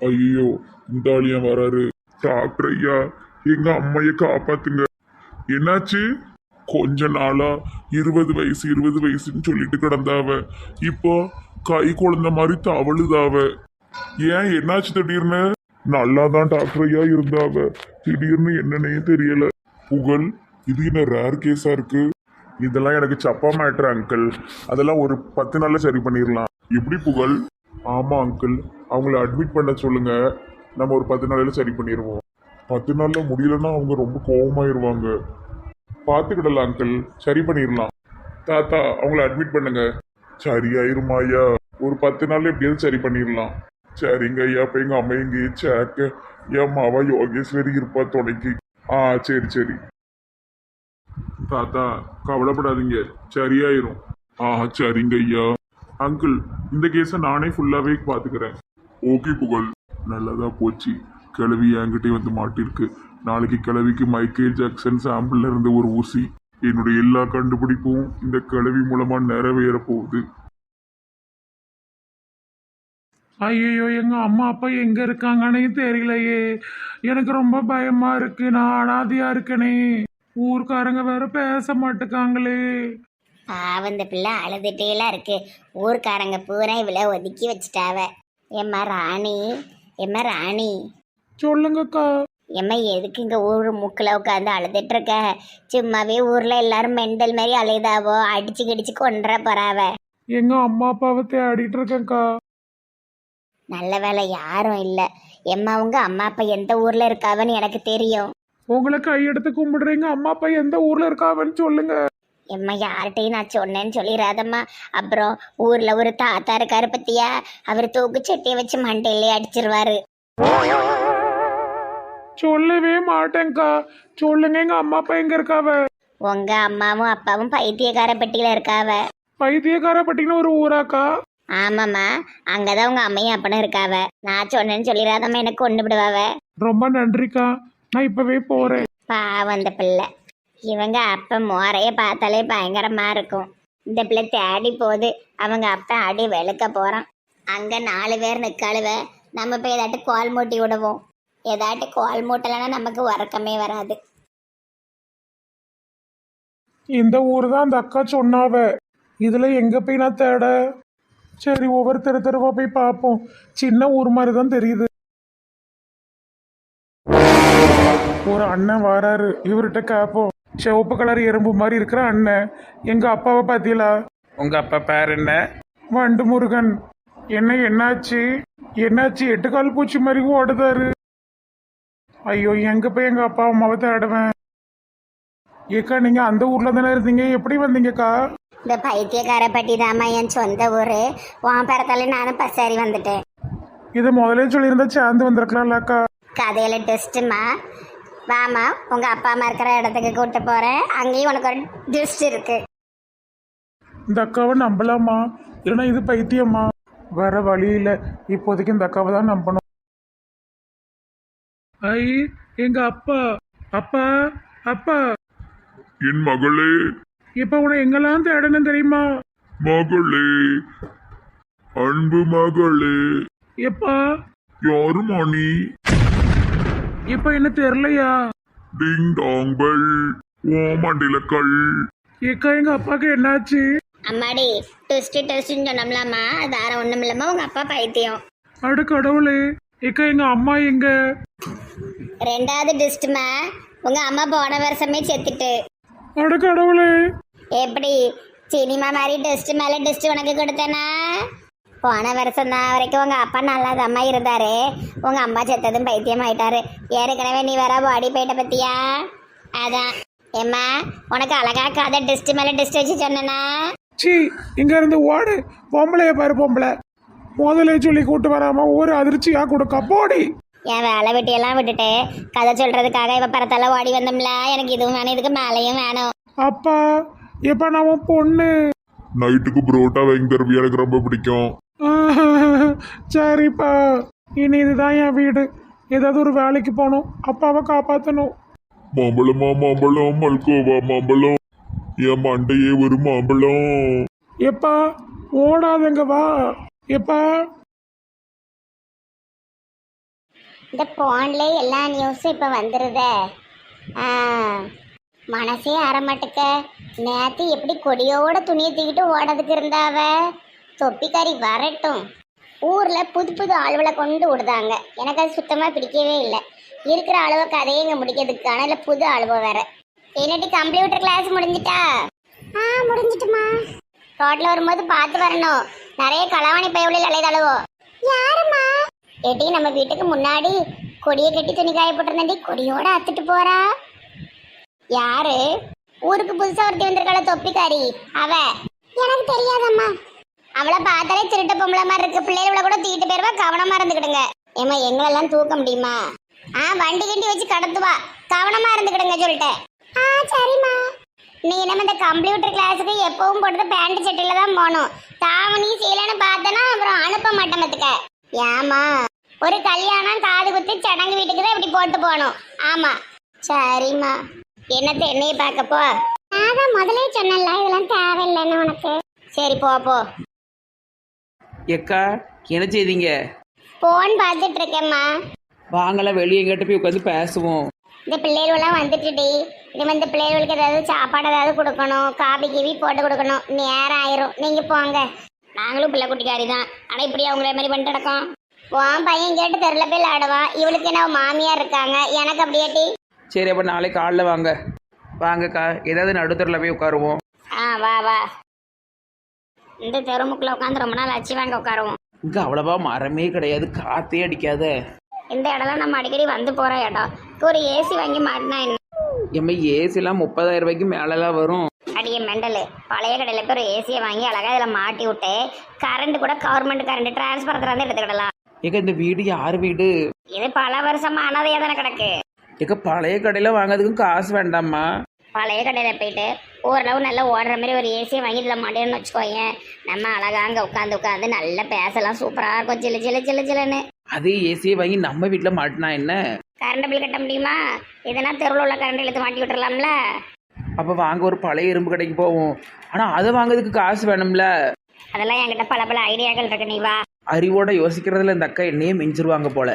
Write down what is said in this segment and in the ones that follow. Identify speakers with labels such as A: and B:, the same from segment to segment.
A: ஐயோ, இந்த ஆளியா வராரு. டாக்டர் ஐயா, எங்க அம்மைய காப்பாத்துங்க. என்னாச்சு? கொஞ்ச நாளா 20 வயசு 20 வயசுன்னு சொல்லிட்டு கிடந்தாவ. இப்போ கை குழந்த மாதிரி தவழுதாவ. ஏன் என்னாச்சு திடீர்னு? நல்லாதான் டாக்டர் ஐயா இருந்தாவ. திடீர்னு என்னன்னே தெரியல. புகழ், இது என்ன ரேர் கேஸா இருக்கு? இதெல்லாம் எனக்கு சப்பா மேட்ரு அங்கிள். அதெல்லாம் ஒரு 10 நாள்ல சரி பண்ணிடலாம். எப்படி புகழ்? ஆமா அங்கிள், அவங்கள அட்மிட் பண்ண சொல்லுங்க. நம்ம ஒரு 10 நாளையில சரி பண்ணிடுவோம். 10 நாள்ல முடியலன்னா அவங்க ரொம்ப கோபமாயிருவாங்க. பார்த்துக்கிடலாம் அங்கிள், சரி பண்ணிடலாம். தாத்தா, அவங்கள அட்மிட் பண்ணுங்க. சரியாயிருமா ஐயா? ஒரு 10 நாள்ல எப்படியாவது சரி பண்ணிடலாம். சரிங்க ஐயா. அப்ப எங்க அம்மா எங்கேயே சேக்க என் மாவா யோகேஸ்வரி இருப்பா துணைக்கு. சரி சரி. தாத்தா, கவலைப்படாதீங்க, சரியாயிரும். சரிங்க ஐயா. அங்கிள், இந்த கேஸை நானே ஃபுல்லாவே பாத்துக்கிறேன். ஓகே புகழ், நல்லதா போச்சு. கிழவி என்கிட்டே வந்து மாட்டிருக்கு. நாளைக்கு கிழவிக்கு மைக்கேல் ஜாக்சன் சாம்பிள்ல இருந்து ஒரு ஊசி. என்னுடைய எல்லா கண்டுபிடிப்பும் இந்த கிழவி மூலமா நிறைவேற போகுது.
B: ஐயோ, எங்க அம்மா அப்பா எங்க இருக்காங்கன்னே தெரியலையே. எனக்கு ரொம்ப பயமா இருக்கு. நான் அனாதையா இருக்கனே. ஊர்க்காரங்க வேற பேச மாட்டுக்காங்களே.
C: பாவம், இந்த பிள்ளை அழுதுட்டேலாம் இருக்கு. ஊர்க்காரங்க பூரா இவ்வளோ ஒதுக்கி வச்சுட்டாவ. எம்மா ராணி, எம்மா ராணி,
B: சொல்லுங்கக்கா.
C: எம்மா எதுக்கு இங்கே ஊர் மூக்கில் உட்காந்து அழுதுட்டு இருக்க? சும்மாவே ஊரில் எல்லாரும் மெண்டல் மாதிரி அழுதாவோ, அடிச்சு கிடிச்சு கொண்டுற போறாவ.
B: எங்க அம்மா அப்பாவை தேடிட்டு இருக்கேன்க்கா.
C: நல்ல வேலை யாரும் இல்லை. எம்மா உங்க அம்மா அப்பா எந்த ஊர்ல இருக்காவன்னு எனக்கு தெரியும்.
B: உங்களை கையெடுத்து கும்பிடுறீங்க. அம்மா அப்பா எந்த ஊர்ல இருக்காவன்னு சொல்லுங்க.
C: எம்மா யார்கிட்டையும் நான் சொன்னேன்னு சொல்லிடாதம்மா. அப்புறம் ஊர்ல ஒரு தாத்தா இருக்காரு பத்தியா, அவர் தூக்கு சட்டியை வச்சு மண்டையிலே அடிச்சிருவாரு.
B: சொல்லவே மாட்டேங்க்கா. சொல்லுங்க, எங்க அம்மா அப்பா எங்க இருக்காவ?
C: உங்க அம்மாவும் அப்பாவும் பைத்தியக்கார பெட்டியில இருக்காவ.
B: பைத்தியக்கார பட்டின ஒரு ஊராக்கா?
C: ஆமாம்மா, அங்கதான் உங்க அம்மையும் அப்பனும் இருக்காவ. நான் சொன்னேன்னு சொல்லிடாதம்மா, எனக்கு கொண்டு விடுவாவ.
B: ரொம்ப நன்றிக்கா, நான் இப்பவே போறேன்.
C: பாவம் இந்த பிள்ளை. இவங்க அப்ப மோரைய பார்த்தாலே பயங்கரமா இருக்கும். இந்த பிள்ளை தேடி போகுது. அவங்க அப்ப அடி வெளுக்க போறான். அங்க 4 பேர் நிக்காளுவ. நம்ம போய் ஏதாட்டு கோல் மூட்டி விடுவோம். ஏதாட்டு கோல் மூட்டலைன்னா நமக்கு உறக்கமே வராது.
B: இந்த ஊர் தான் அந்த அக்கா சொன்னாவ. இதுல எங்க போய் நான் தேட? சரி, ஒவ்வொரு தெருவா போய் பார்ப்போம். சின்ன ஊர் மாதிரி தான் தெரியுது. ஒரு அண்ணன் வராரு, இவர்கிட்ட கேட்போம். சிவப்பு கலர் எறும்பு மாதிரி இருக்கிற அண்ணன், எங்க அப்பாவை பார்த்தீங்களா?
D: உங்க அப்பா பேர் என்ன?
B: வண்டு முருகன். என்னாச்சு? 8 கால் பூச்சி மாதிரி ஓடுதாரு. ஐயோ, எங்க போய் எங்க அப்பா அம்மாவை தேடுவேன்? ஏக்கா, நீங்க அந்த ஊர்ல தானே இருந்தீங்க, எப்படி வந்தீங்கக்கா?
C: இந்த பைத்தியக்கார பட்டி தாம்மா என் சொந்த ஊரு. உன் பிறத்தாலே நானும் பசாரி வந்துட்டேன்.
B: இதை முதலே சொல்லியிருந்தா சேர்ந்து வந்திருக்கலாம்லக்கா.
C: கதையில டெஸ்ட்டுமா. வாமா, உங்க அப்பா அம்மா இருக்கிற இடத்துக்கு கூட்டு போறேன். அங்கேயும் உனக்கு ஒரு டெஸ்ட் இருக்கு.
B: இந்த அக்காவை நம்பலாமா, இல்லைன்னா இது பைத்தியமா? வேற வழி இல்லை, இப்போதைக்கு இந்த அக்காவை தான் நம்பணும். ஐ, எங்க அப்பா. அப்பா, அப்பா.
A: என் மகளே.
B: இப்ப உன எங்கெல்லாம் தேடணும் தெரியுமா?
A: மகளே, அன்பு மகளே.
B: எப்பா?
A: யாருமா நீ?
B: இப்ப என்ன தெரியலையா?
A: டிங் டாங் பெல், ஓ மண்டில கல்.
B: ஏக்கா, எங்க அப்பாவுக்கு என்னாச்சு?
C: அம்மாடி, டெஸ்ட்னு சொன்னோம்லாமா, அது வேற ஒண்ணும் இல்லம்மா, உங்க அப்பா பைத்தியம்.
B: அட கடவுளே. ஏக்கா, எங்க அம்மா எங்க?
C: 2வது டெஸ்ட்மா. உங்க அம்மா போன வருஷமே செத்துட்டு.
B: அட கடவுளே.
C: எப்படி சினிமா மாதிரி டெஸ்ட் மேல டெஸ்ட் உனக்கு கொடுத்தேனா? போன வருஷம் தான் வரைக்கும் உங்க அப்பா நல்லாதம்மா இருந்தாரு. உங்க அம்மா செத்ததும் பைத்தியம் ஆயிட்டாரு. ஏற்கனவே நீ வேற பாடி போயிட்ட பத்தியா? அதான் ஏம்மா, உனக்கு அழகா கதை டெஸ்ட் மேல டெஸ்ட் வச்சு சொன்னா.
B: சி, இங்க இருந்து ஓடு. பொம்பளைய பாரு, பொம்பளை முதலே சொல்லி கூட்டு வராம ஒரு அதிர்ச்சியா கொடுக்க போடி.
C: என் வேலை வெட்டியெல்லாம் விட்டுட்டு கதை சொல்றதுக்காக இவ பரத்தால ஓடி வந்தோம்ல. எனக்கு இதுவும் வேணும், இதுக்கு மேலையும் வேணும்.
B: அப்பா, எப்ப நான் உன் பொண்ணு.
A: நைட்டுக்கு புரோட்டா வாங்கி தருவியா? எனக்கு ரொம்ப பிடிக்கும்.
B: சரிப்பா, இனி இதுதான் என் வீடு. ஏதாவது ஒரு வேலைக்கு போகணும், அப்பாவை காப்பாற்றணும்.
A: மாம்பழமா மாம்பழம், மல்கோவா மாம்பழம், என் மண்டையே ஒரு மாம்பழம்.
B: எப்பா, ஓடாதங்க வா. எப்பா.
C: இந்த போன்ல எல்லா நியூஸும் இப்ப வந்துருதே. ஆ, மனசே அறமாட்டுக்க. நேத்து எப்படி கொடியோட துணியை தூக்கிட்டு ஓடதுக்கு இருந்தாவ. தொப்பிக்காரி வரட்டும். ஊர்ல புது புது ஆளுவலை கொண்டு விடுதாங்க. எனக்கு அது சுத்தமா பிடிக்கவே இல்லை. இருக்கிற அளவை கதையை இங்க முடிக்கிறதுக்கான இல்லை புது அழுவ வேற. என்னடி கம்ப்யூட்டர் கிளாஸ் முடிஞ்சிட்டா? முடிஞ்சிட்டுமா. ரோட்ல வரும்போது பார்த்து வரணும். நிறைய களவாணி பயவுகளில் அலைதழுவோ. யாருமா? ஏட்டி நம்ம வீட்டுக்கு முன்னாடி கொடியை கட்டி துணி காய போட்டிருந்தாண்டி கொடியோட அத்துட்டு போறா. யாரு? ஊருக்கு புதுசா ஒருத்தி வந்திருக்காள தொப்பிக்காரி அவ. எனக்கு தெரியாதம்மா. அவளை பார்த்தாலே திருட்ட பொம்பளை மாதிரி இருக்கு. பிள்ளைகளை கூட தூக்கிட்டு போயிருவா. கவனமா இருந்துக்கிடுங்க. ஏமா எங்களெல்லாம் தூக்க முடியுமா? வண்டி கண்டி வச்சு கடத்துவா. கவனமா இருந்துக்கிடுங்க சொல்லிட்டேன். சரிம்மா. நீ நம்ம இந்த கம்ப்யூட்டர் கிளாஸுக்கு எப்பவும் போட்டது பேண்ட் சட்டில தான் போகணும். தாவணி சீலைன்னு பார்த்தனா அப்புறம் அனுப்ப மாட்டேன் பத்துக்க. ஏமா ஒரு கல்யாணம் காது குத்தி சடங்கு வீட்டுக்கு தான் இப்படி போட்டு போகணும். ஆமா சரிம்மா. என்னத்தை என்னைய பார்க்கப்போ? அதான் முதலே சொன்னல இதெல்லாம் தேவையில்லைன்னு உனக்கு. சரி போ போ.
D: எக்கா என்ன செய்தீங்க?
C: போன் பார்த்துட்டு இருக்கேம்மா.
D: வாங்கலாம் வெளியே எங்கிட்ட போய் உட்காந்து பேசுவோம்.
C: இந்த பிள்ளைகளெல்லாம் வந்துட்டுடி. இது இந்த பிள்ளைகளுக்கு ஏதாவது சாப்பாடு ஏதாவது கொடுக்கணும். காபி கீவி போட்டு கொடுக்கணும். நேரம் ஆயிரும். நீங்க போங்க. நாங்களும் பிள்ளை குட்டிக்காரி தான். ஆனால் இப்படி அவங்கள மாதிரி பண்ணிட்டு நடக்கோம். உன் பையன் கேட்டு தெருல போய் விளையாடுவான். இவளுக்கு என்ன மாமியார் இருக்காங்க. எனக்கு அப்படியாட்டி.
D: சரி அப்போ நாளைக்கு காலைல வாங்க. வாங்கக்கா ஏதாவது நடுத்தரில் போய் உட்காருவோம்.
C: வா வா. இந்த தெருமுக்குள்ள உட்காந்து ரொம்ப நாள் ஆச்சு. வாங்க உட்காருவோம்.
D: இங்கே அவ்வளவா மரமே கிடையாது. காற்றே அடிக்காத.
C: இந்த இடம்லாம் நம்ம அடிக்கடி வந்து போற இடம். ஒரு ஏசி வாங்கி மாட்டினா என்ன?
D: எம்மா ஏசிலாம் 30,000 ரூபாய்க்கு மேலெல்லாம் வரும்.
C: அடியே மெண்டலு. பழைய கடையில் போய் ஒரு ஏசியை வாங்கி அழகா இதில் மாட்டி விட்டு கரண்ட் கூட கவர்மெண்ட் கரண்ட் டிரான்ஸ்பரத்தில் வந்து எடுத்துக்கிடலாம்.
D: ஏக்கா இந்த வீடு யார் வீடு?
C: இது பல வருஷமா அனாதையா தானே கிடக்கு.
D: ஏக்கா பழைய கடையில் வாங்கிறதுக்கும் காசு வேண்டாமா?
C: பழைய கடையில் போயிட்டு ஓரளவு நல்லா ஓடுற மாதிரி ஒரு ஏசியை வாங்கி இதில் மாட்டேன்னு வச்சுக்கோயேன். நம்ம அழகா அங்கே உட்காந்து நல்லா பேசலாம். சூப்பராக இருக்கும். சில்லு சில்லு சில்லு சில்லுன்னு.
D: அதே ஏசியை வாங்கி நம்ம வீட்டில் மாட்டினா என்ன?
C: கரண்ட் பில் கட்ட முடியுமா? இதனா தெருவில் உள்ள கரண்ட் இழுத்து மாட்டி விட்டுறலாம்ல.
D: அப்போ வாங்க ஒரு பழைய இரும்பு கடைக்கு போவோம். ஆனால் அதை வாங்குறதுக்கு காசு வேணும்ல.
C: அதெல்லாம் என்கிட்ட பல பல ஐடியாக்கள் இருக்கு. நீ வா.
D: அறிவோட யோசிக்கிறதுல இந்த அக்கா என்னையே மிஞ்சிருவாங்க போல.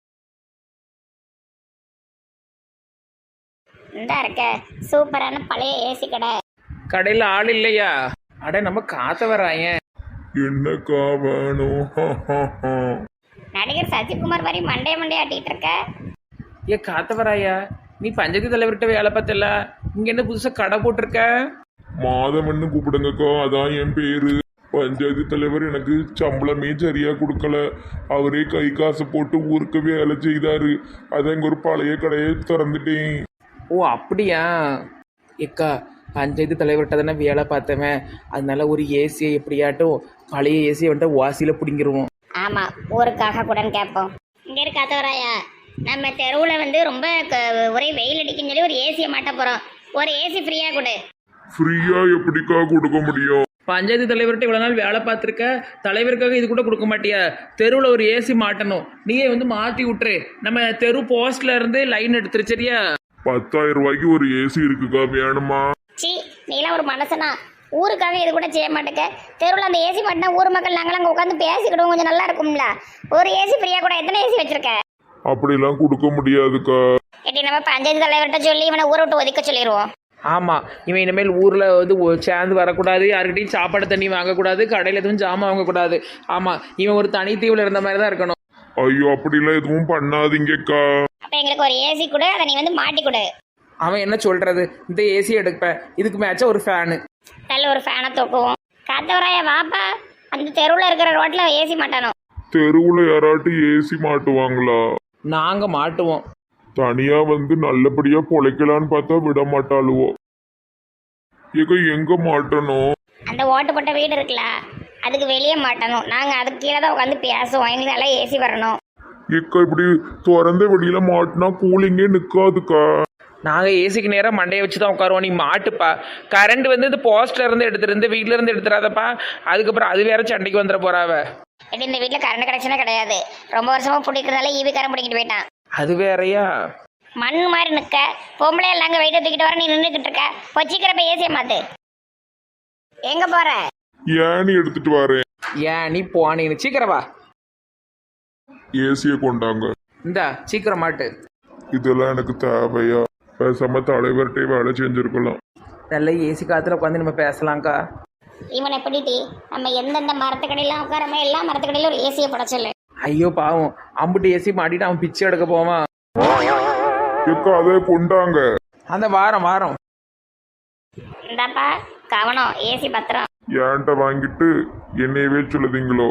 C: இந்த இருக்க சூப்பரான பழைய ஏசி கடை.
D: கடையில் ஆள் இல்லையா? அட நம்ம காத்த வராங்க.
A: என்னக்கா வேணும்?
C: நடிகர் சசிகுமார் மாதிரி மண்டே ஆட்டிட்டு இருக்க.
D: ஏ காத்த வராயா, நீ பஞ்சாயத்து தலைவர்கிட்ட வேலை பார்த்தல, இங்க என்ன புதுசா கடை போட்டிருக்க?
A: மாதவன்னு கூப்பிடுங்கக்கா. அதான் என் பேரு. பஞ்சாயத்து தலைவர் எனக்கு சம்பளமே சரியா கொடுக்கல. அவரே கை காசு போட்டு ஊருக்கு வேலை செய்தாரு. அதான் இங்க ஒரு பழைய கடையை திறந்துட்டேன்.
D: ஓ அப்படியா? ஏக்கா பஞ்சாயத்து தலைவர்கிட்ட தானே வேலை பார்த்தவன், அதனால ஒரு ஏசியை எப்படியாட்டும் பழைய ஏசியை வந்துட்டு வாசியில் பிடிங்கிருவோம்.
C: ஆமா ஊருக்காக கூட கேட்போம். இங்க இருக்காத்தவராயா, நம்ம தெருவில் வந்து ரொம்ப ஒரே வெயில் அடிக்குன்னு சொல்லி ஒரு ஏசியை மாட்ட போறோம். ஒரு ஏசி ஃப்ரீயா கொடு.
A: ஃப்ரீயா எப்படிக்கா கொடுக்க முடியும்?
D: பஞ்சாயத்து தலைவர்கிட்ட இவ்வளோ நாள் வேலை பார்த்துருக்க, தலைவருக்காக இது கூட கொடுக்க மாட்டியா? தெருவில் ஒரு ஏசி மாட்டணும். நீயே வந்து மாற்றி விட்டுரு. நம்ம தெரு போஸ்ட்ல இருந்து லைன் எடுத்துரு சரியா?
A: 10,000 ரூபாய்க்கு ஒரு ஏசி இருக்குக்கா. வேணுமா?
C: சி நீலாம் ஒரு மனசனா? ஊருக்காக இது கூட செய்ய மாட்டேங்க. தெருவில் அந்த ஏசி மாட்டினா ஊர் மக்கள் நாங்கள் அங்கே உட்காந்து பேசிக்கிடுவோம். கொஞ்சம் நல்லா இருக்கும்ல. ஒரு ஏசி ஃப்ரீயா கூட. எத்தனை ஏசி வச்சிருக்க?
A: அப்படிலாம் கொடுக்க முடியாதுக்கா.
C: எப்படி நம்ம பஞ்சாயத்து தலைவர்கிட்ட சொல்லி இவனை ஊரை விட்டு ஒதுக்க சொல்லிடுவோம்.
D: ஆமாம், இவன் இனிமேல் ஊரில் வந்து சேர்ந்து வரக்கூடாது, யாருக்கிட்டையும் சாப்பாடு தண்ணி வாங்கக்கூடாது, கடையில் எதுவும் ஜாமான் வாங்கக்கூடாது. ஆமாம், இவன் ஒரு தனித்தீவில் இருந்த மாதிரி தான் இருக்கணும்.
A: ஐயோ அப்படிலாம் எதுவும் பண்ணாதீங்கக்கா.
C: அப்போ எங்களுக்கு ஒரு ஏசி கூட, அதை நீ வந்து மாட்டி கொடு.
D: அவன் என்ன சொல்கிறது, இந்த ஏசி எடுப்பேன், இதுக்கு மேட்சா ஒரு ஃபேனு.
C: நல்ல ஒரு ஃபேனை தூக்குவோம். காத்தவராயா வாப்பா. அந்த தெருவில் இருக்கிற ரோட்டில் ஏசி மாட்டணும்.
A: தெருவுல யாராட்டு ஏசி மாட்டுவாங்களா?
D: நாங்கள் மாட்டுவோம்.
A: தனியா வந்து நல்லபடியா பொழைக்கலான்னு பார்த்தா விட மாட்டாளுவோ. ஏக்கா எங்க மாட்டணும்?
C: அந்த ஓட்டு போட்ட வீடு இருக்குல்ல, அதுக்கு வெளியே மாட்டணும். நாங்கள் அதுக்கு கீழே தான் உட்காந்து பேசுவோம். எங்களுக்கு நல்லா ஏசி வரணும்.
A: ஏக்கா இப்படி திறந்த வெளியில மாட்டினா கூலிங்கே நிக்காதுக்கா.
D: நாங்கள் ஏசிக்கு நேராக மண்டையை வச்சு தான் உட்காருவோம். நீ மாட்டுப்பா. கரண்ட் வந்து இந்த போஸ்ட்ல இருந்து எடுத்துருந்து வீட்டில இருந்து எடுத்துறாதப்பா. அதுக்கப்புறம் அது வேற சண்டைக்கு வந்துட போறாவ.
C: எப்படி இந்த வீட்டில் கரண்ட் கனெக்ஷனே கிடையாது. ரொம்ப வருஷமா பிடிக்கிறதுனால ஈவி காரன் பிடிக்கிட்டு போயிட்டான்.
D: அது வேறையா?
C: மண் மாதிரி நிற்க பொம்பளை எல்லாம் வெயிட்ட தூக்கிட்டு வர. நீ நின்றுக்கிட்டு இருக்க. பொச்சிக்கிறப்ப ஏசியை மாத்து. எங்க போற?
A: ஏன்னு எடுத்துட்டு வரேன்.
D: ஏன் நீ போனீன்னு சீக்கிரவா.
A: ஏசிய கொண்டாங்க.
D: இந்தா சீக்கிரம் மாட்டு.
A: இதெல்லாம் எனக்கு தேவையா? பேசாம தலைவர்கிட்டே வேலை செஞ்சிருக்கலாம்.
D: நல்ல ஏசி காத்துல உட்காந்து நம்ம பேசலாம்க்கா.
C: இவனை எப்படிட்டி நம்ம எந்தெந்த மரத்துக்கடையெல்லாம் உட்காரமோ எல்லா மரத்துக்கடையிலும் ஒரு ஏசியை போட சொல்லு.
D: ஐயோ பாவம், அம்புட்டு ஏசி மாட்டிட்டு அவன் பிச்சை எடுக்க போவான்.
A: எக்கா அதை கொண்டாங்க.
D: அந்த வாரம் வாரம்
C: இந்தாப்பா கவனம், ஏசி பத்திரம்.
A: ஏன்ட்ட வாங்கிட்டு என்னையவே சொல்லுதீங்களோ?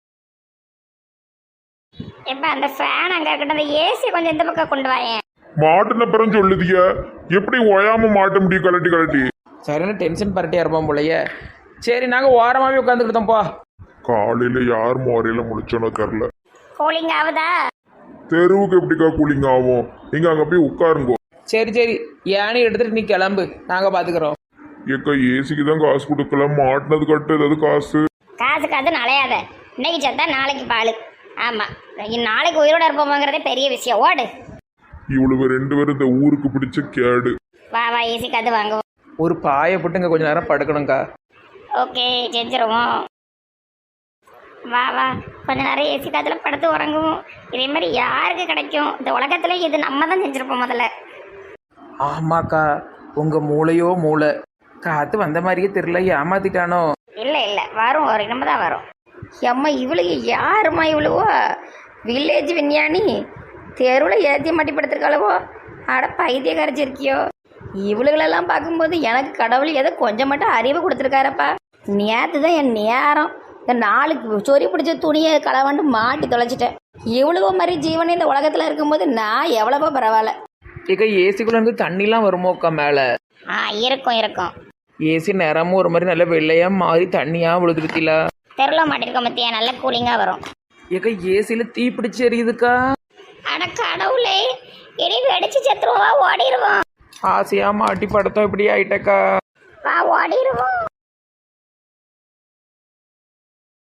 C: எப்ப அந்த ஃபேன் அங்க இருக்கட்டும், அந்த ஏசி கொஞ்சம் இந்த பக்கம் கொண்டு வாயேன்.
A: மாட்டுன பிறம் சொல்லுதிய, எப்படி ஓயாம மாட்ட முடியும் கலட்டி கலட்டி?
D: சரியான டென்ஷன் பரட்டியா இருப்பான் போலயே. சரி நாங்கள் ஓரமாகவே உட்காந்துக்கிட்டோம்ப்பா.
A: காலையில யார் மோரையில முடிச்சோன்னு தெரில.
C: கூலிங் ஆகுதா?
A: தெருவுக்கு எப்படிக்கா கூலிங் ஆகும்? நீங்க அங்க போய் உட்காருங்கோ.
D: சரி சரி, ஏனி எடுத்துட்டு நீ கிளம்பு, நாங்கள் பார்த்துக்குறோம்.
A: ஏக்கா ஏசிக்கு தான் காசு கொடுக்கலாம், மாட்டினது கட்டு ஏதாவது காசு.
C: காசு நலையாத. இன்னைக்கு செத்தா நாளைக்கு பால். ஆமா, நாளைக்கு உயிரோட இருப்போமாங்கிறதே பெரிய விஷயம். ஓடு.
A: இவ்வளவு 2 பேரும் இந்த ஊருக்கு பிடிச்ச கேடு.
C: வா வா, ஏசி காத்து வாங்குவோம்.
D: ஒரு பாயை போட்டு இங்கே கொஞ்சம் நேரம் படுக்கணுங்க்கா.
C: ஓகே, செஞ்சிருவோம். வா வா, கொஞ்ச நேரம் ஏசி காத்துல படுத்து உறங்குவோம். இதே மாதிரி யாருக்கு கிடைக்கும் இந்த உலகத்துல? இது நம்ம தான் செஞ்சிருப்போம் முதல்ல.
D: ஆமாக்கா, உங்கள் மூளையோ மூளை. காற்று வந்த மாதிரியே தெரியல, ஏமாத்திட்டானோ?
C: இல்ல வரும், ஒரு நம்ம தான் வரும். அம்மா இவளுக்கு யாருமா இவ்வளவோ? வில்லேஜ் விஞ்ஞானி தெருவில் ஏற்றி மாட்டி படுத்திருக்காளவோ? அட பைத்திய கரைச்சிருக்கியோ? இவளுகளெல்லாம் பார்க்கும்போது எனக்கு கடவுள் ஏதோ கொஞ்சம் மட்டும் அறிவு கொடுத்துருக்காரப்பா. நேற்று தான் என் நேரம் இந்த 4 சொறி பிடிச்ச துணியை களவாண்டு மாட்டி தொலைச்சிட்டேன். இவ்வளவோ மாதிரி ஜீவனே இந்த உலகத்தில் இருக்கும்போது நான் எவ்வளவோ பரவாயில்ல.
D: ஏக்கா ஏசிக்குள்ளேருந்து தண்ணிலாம் வருமோக்கா மேலே?
C: இருக்கும்.
D: ஏசி நிறமும் ஒரு மாதிரி நல்ல வெள்ளையாக மாறி தண்ணியாக விழுதுருத்தில.
C: தெருவில் மாட்டிருக்க மத்தியா நல்ல கூலிங்காக வரும்.
D: ஏக்கா ஏசியில் தீ பிடிச்சி எரியுதுக்கா.
C: அட கடவுளே, இனி வெடிச்சு செத்துருவா, ஓடிடுவோம்.
D: ஆசையாக மாட்டி படுத்தோம் இப்படி ஆயிட்டக்கா.
C: வா ஓடிடுவோம்.